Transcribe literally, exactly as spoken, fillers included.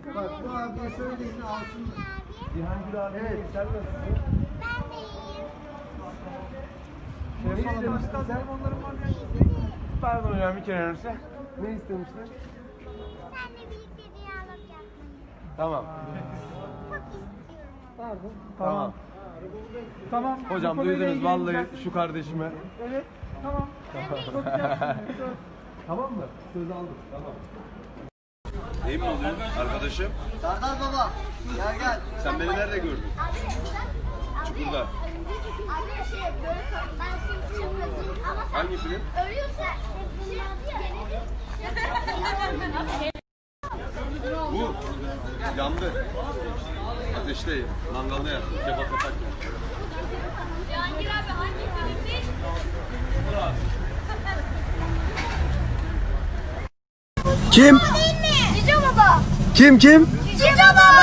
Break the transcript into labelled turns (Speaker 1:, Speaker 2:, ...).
Speaker 1: Bak bu abiye söyleyin alsın.
Speaker 2: Cihangir abi. Evet. Sen nasılsın?
Speaker 3: Ben de iyiyim.
Speaker 2: Ne istemiştin sen? Pardon hocam bir kere önce. Ne istemiştin?
Speaker 3: Seninle birlikte diyalog yapmayı
Speaker 2: Tamam.
Speaker 3: çok istiyorum.
Speaker 1: Pardon.
Speaker 2: Tamam.
Speaker 1: Tamam.
Speaker 2: Hocam
Speaker 1: Bu konuyla
Speaker 2: duydunuz
Speaker 1: ilgili
Speaker 2: vallahi
Speaker 1: güzel-
Speaker 2: şu kardeşime.
Speaker 1: Evet. Tamam. Çok güzel. Söz.
Speaker 2: Tamam mı? Söz aldım. Tamam.
Speaker 4: İyi mi oluyor arkadaşım?
Speaker 5: Serdar baba, gel gel.
Speaker 4: Sen beni nerede gördün? Çukurda.
Speaker 3: Abi şey böyle ben seni çılgınım ama sen
Speaker 4: Hangi film?
Speaker 3: ölüyorsa
Speaker 4: Bu yandı. Ateşte mangalda yak. Kebap yaparken.
Speaker 3: Cihangir abi hangi filmdi?
Speaker 2: Kim?
Speaker 3: Cici baba.
Speaker 2: Kim kim?
Speaker 3: Cici baba.